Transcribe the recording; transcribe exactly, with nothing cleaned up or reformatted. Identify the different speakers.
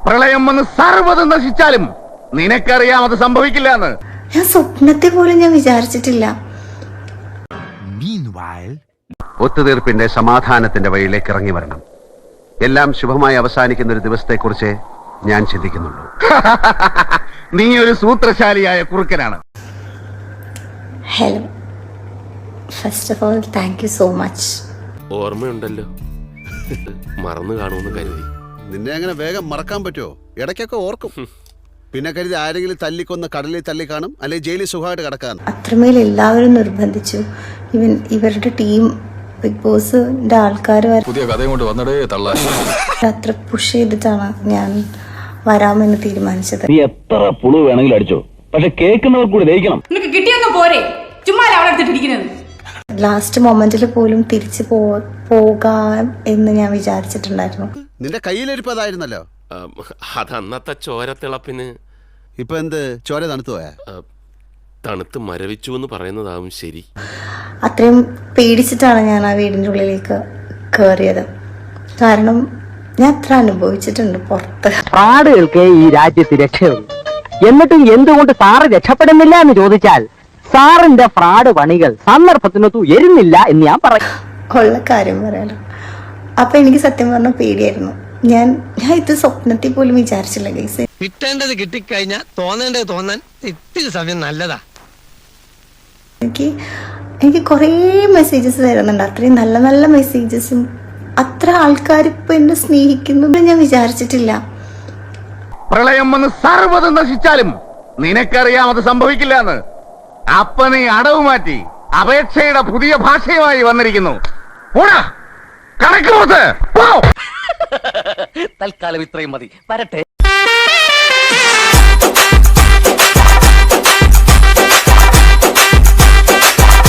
Speaker 1: പ്രളയം വന്ന് സർവ്വതും നശിച്ചാലും നിനക്കറിയാം അത് സംഭവിക്കില്ല എന്ന്.
Speaker 2: ഞാൻ സ്വപ്നത്തെ പോലും ഞാൻ വിചാരിച്ചിട്ടില്ല.
Speaker 3: ഒത്തുതീർപ്പിന്റെ സമാധാനത്തിന്റെ വഴിയിലേക്ക് ഇറങ്ങി വരണം. എല്ലാം ശുഭമായി അവസാനിക്കുന്ന ഒരു ദിവസത്തെക്കുറിച്ച് ഞാൻ ചിന്തിക്കുന്നുള്ളൂ.
Speaker 1: നീ ഒരു സൂത്രശാലിയായ കുറുക്കനാണ്.
Speaker 2: Hello, first of all thank you so much.
Speaker 4: ഓർമ്മയുണ്ടല്ലോ, മറന്നു കാണുമെന്ന് കരുതി.
Speaker 5: നിന്നെ അങ്ങനെ വേഗം മറക്കാൻ പറ്റുമോ? ഇടയ്ക്കൊക്കെ ഓർക്കും. പിന്നെ കരുതി ആരെങ്കിലും തല്ലിക്കൊന്ന് കടലിൽ തല്ലി കാണും, അല്ലെങ്കിൽ ജയിലിൽ സുഖമായിട്ട് കിടക്കാൻ.
Speaker 2: അത്രമേൽ എല്ലാവരും നിർബന്ധിച്ചു. ഇവൻ ഇവരുടെ ടീം, ബിഗ് ബോസിന്റെ ആൾക്കാർ
Speaker 6: പുതിയ കഥയും കൊണ്ട് വന്നടേ തള്ളാൻ
Speaker 2: അത്ര പുഷ് ചെയ്തിട്ടാണ് ഞാൻ വരാമെന്ന് തീരുമാനിച്ചത്.
Speaker 7: നീ എത്ര പുളു വേണമെങ്കിലും അടിച്ചോ, പക്ഷെ കേൾക്കുന്നവർ കൂടി ദഹിക്കണം.
Speaker 8: നിനക്ക് കിട്ടിയൊന്നും പോരെ, ചുമ്മാ അവളെടുത്തിട്ടിരിക്കുന്നത്.
Speaker 2: ലാസ്റ്റ് മൊമെന്റിൽ പോലും തിരിച്ചു പോ പോകാം എന്ന് ഞാൻ വിചാരിച്ചിട്ടുണ്ടായിരുന്നു.
Speaker 5: നിന്റെ കയ്യിലിരിപ്പതായിരുന്നല്ലോ.
Speaker 4: അത് അന്നത്തെ ചോരത്തിളപ്പിന്.
Speaker 5: ഇപ്പൊ എന്ത്, ചോര തണുത്തു പോയാ?
Speaker 4: തണുത്ത് മരവിച്ചു എന്ന് പറയുന്നതാവും ശരി.
Speaker 2: അത്രയും പേടിച്ചിട്ടാണ് ഞാൻ ആ വീടിൻ്റെ ഉള്ളിലേക്ക് കയറിയത്. കാരണം ഞാൻ അത്ര അനുഭവിച്ചിട്ടുണ്ട് പുറത്ത്.
Speaker 9: ഫ്രാഡുകൾക്ക് ഈ രാജ്യത്ത് രക്ഷയുള്ളൂ. എന്നിട്ടും എന്തുകൊണ്ട് സാറ് രക്ഷപ്പെടുന്നില്ല എന്ന് ചോദിച്ചാൽ സാറിന്റെ ഫ്രാഡ് പണികൾ സന്ദർഭത്തിനൊത്തു എരുന്നില്ല എന്ന് ഞാൻ പറയും.
Speaker 2: ഉള്ള കാര്യം പറയാലോ. അപ്പൊ എനിക്ക് സത്യം പറഞ്ഞ പേടിയായിരുന്നു. ഞാൻ ഞാൻ ഇത് സ്വപ്നത്തിൽ പോലും വിചാരിച്ചില്ല ഗൈസ്.
Speaker 10: കിട്ടേണ്ടത് കിട്ടിക്കഴിഞ്ഞാൽ തോന്നേണ്ടത് തോന്നാൻ ഇത്തിരി സമയം നല്ലതാ.
Speaker 2: എനിക്ക് എനിക്ക് കുറേ മെസ്സേജസ് തരുന്നുണ്ട്, അത്രയും നല്ല നല്ല മെസ്സേജസും. അത്ര ആൾക്കാർ ഇപ്പൊ എന്നെ സ്നേഹിക്കുന്നു ഞാൻ വിചാരിച്ചിട്ടില്ല.
Speaker 1: പ്രളയം വന്ന് സർവ്വതും നശിച്ചാലും നിനക്കറിയാം അത് സംഭവിക്കില്ല എന്ന്. അപ്പൊ നീ അടവ് മാറ്റി അപേക്ഷയുടെ പുതിയ ഭാഷയുമായി വന്നിരിക്കുന്നു. തൽക്കാലം ഇത്രയും മതി. വരട്ടെ.